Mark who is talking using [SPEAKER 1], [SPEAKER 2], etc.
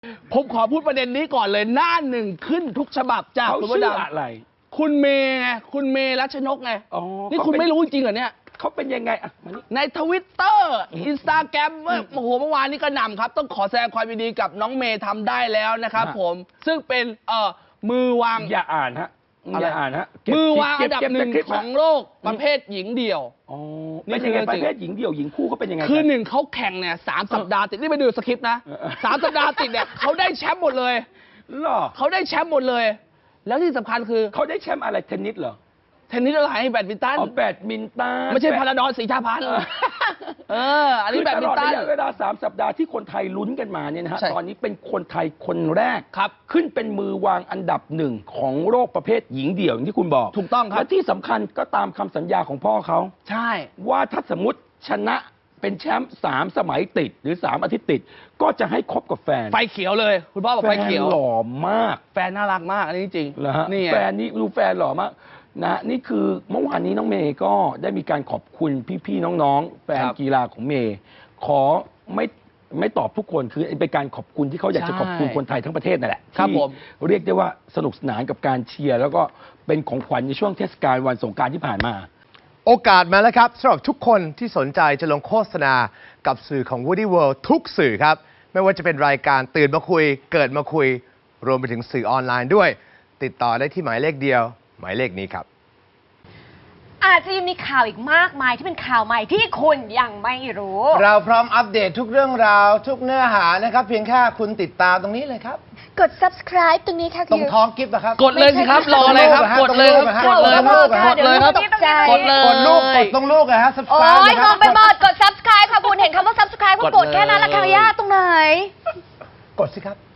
[SPEAKER 1] ผมขอพูดประเด็นนี้ก่อนเลยหน้าหนึ่งขึ้นทุกฉบับจาก
[SPEAKER 2] เขา
[SPEAKER 1] คุณ
[SPEAKER 2] ชื่
[SPEAKER 1] ว
[SPEAKER 2] อ
[SPEAKER 1] ด
[SPEAKER 2] อะไร
[SPEAKER 1] คุณเมย์ไงคุณเมย์รัชนกไง
[SPEAKER 2] อ๋อ
[SPEAKER 1] นี่คุณไม่รู้จริงเหรอเนี่ย
[SPEAKER 2] เขาเป็นยังไงอ่ะมานี่
[SPEAKER 1] ในทวิตเตอร์อินสตาแกรมเมื่อวานนี้ก็นำครับ ต้องขอแสดงความยินดีกับน้องเมย์ทำได้แล้วนะครับผมซึ่งเป็นมือวาง
[SPEAKER 2] อย่าอ่านฮะอย่าอ่านฮะ
[SPEAKER 1] มือวางอันดับหนึ่ง
[SPEAKER 2] เก็บ
[SPEAKER 1] ของโลกประเภทหญิงเดี่ยว
[SPEAKER 2] อ๋อเป็นยังไงประเภทหญิงเดี่ยวหญิงคู่เขาเป็นยังไง
[SPEAKER 1] คือหนึ่งเขาแข่งเนี่ย3 สัปดาห์ติดนี่ไปดูสคริปต์นะ 3 สัปดาห์ติดเนี่ยเขาได้แชมป์หมดเลย
[SPEAKER 2] หรอ
[SPEAKER 1] เขาได้แชมป์หมดเลย แล้วที่สำคัญคือ
[SPEAKER 2] เขาได้แชมป์อะไรเทนนิสเหรอ
[SPEAKER 1] เทนนิสอะไรแบดมินตัน
[SPEAKER 2] อ๋อแบดมินตัน
[SPEAKER 1] ไม่ใช่พาราดอนสีชาพันธ์อันนี้แบดมินตัน
[SPEAKER 2] คือตลอดระยะเวลา3 สัปดาห์ที่คนไทยลุ้นกันมาเนี่ยนะฮะ
[SPEAKER 1] ใช่
[SPEAKER 2] ตอนนี้เป็นคนไทยคนแรก
[SPEAKER 1] ครับ
[SPEAKER 2] ขึ้นเป็นมือวางอันดับหนึ่งของโลกประเภทหญิงเดี่ยวอย่างที่คุณบอก
[SPEAKER 1] ถูกต้องครับ
[SPEAKER 2] และที่สำคัญก็ตามคำสัญญาของพ่อเขา
[SPEAKER 1] ใช่
[SPEAKER 2] ว่าถ้าสมมติชนะเป็นแชมป์3 สมัยติดหรือ3 อาทิตย์ติด ก็จะให้คบกับแฟน
[SPEAKER 1] ไฟเขียวเลย คุณพ่อบอก
[SPEAKER 2] แฟ
[SPEAKER 1] ไฟ
[SPEAKER 2] น
[SPEAKER 1] เขียว
[SPEAKER 2] หล่อมาก
[SPEAKER 1] แฟนน่ารักมากอันนี้จริง
[SPEAKER 2] เหรอฮะ
[SPEAKER 1] นี่ไง
[SPEAKER 2] แฟนนี่ดูแฟนหล่อมากนะนี่คือเมื่อวานนี้น้องเมย์ก็ได้มีการขอบคุณพี่ๆน้องๆแฟนกีฬาของเมย์ขอไม่ตอบทุกคนคือเป็นการขอบคุณที่เขาอยากจะขอบคุณคนไทยทั้งประเทศนั่นแหละ
[SPEAKER 1] ครับ
[SPEAKER 2] ที่
[SPEAKER 1] ผม
[SPEAKER 2] เรียกได้ว่าสนุกสนานกับการเชียร์แล้วก็เป็นของขวัญในช่วงเทศกาลวันสงกรานต์ที่ผ่านมา
[SPEAKER 3] โอกาสมาแล้วครับสำหรับทุกคนที่สนใจจะลงโฆษณากับสื่อของ Woody World ทุกสื่อครับ ไม่ว่าจะเป็นรายการตื่นมาคุย เกิดมาคุย รวมไปถึงสื่อออนไลน์ด้วย ติดต่อได้ที่หมายเลขเดียว หมายเลขนี้ครับ
[SPEAKER 4] อาจจะยังมีข่าวอีกมากมายที่เป็นข่าวใหม่ที่คุณยังไม่รู้
[SPEAKER 3] เราพร้อมอัปเดตทุกเรื่องราวทุกเนื้อหานะครับ เพียงแค่คุณติดตามตรงนี้เลยครับ
[SPEAKER 4] กด subscribe ตรงนี้ค่ะ
[SPEAKER 3] ตรงท้องกิฟต์นะครับ
[SPEAKER 1] กดเลยสิครับรออะไรครับกดเลยครับกดเลยครับกดเลยครับ
[SPEAKER 4] ตกใจ
[SPEAKER 1] กดเลย
[SPEAKER 3] กดลูกกดตรงลูกนะฮะ
[SPEAKER 4] โอ้
[SPEAKER 3] subscribe
[SPEAKER 4] ย
[SPEAKER 3] นะค
[SPEAKER 4] ง
[SPEAKER 3] รับ
[SPEAKER 4] งไปหมดกด subscribe ค่ะคุณเห็นคำว่า subscribe ก็กดแค่นั้นละค่ะยากตรงไหน
[SPEAKER 3] กดสิครับ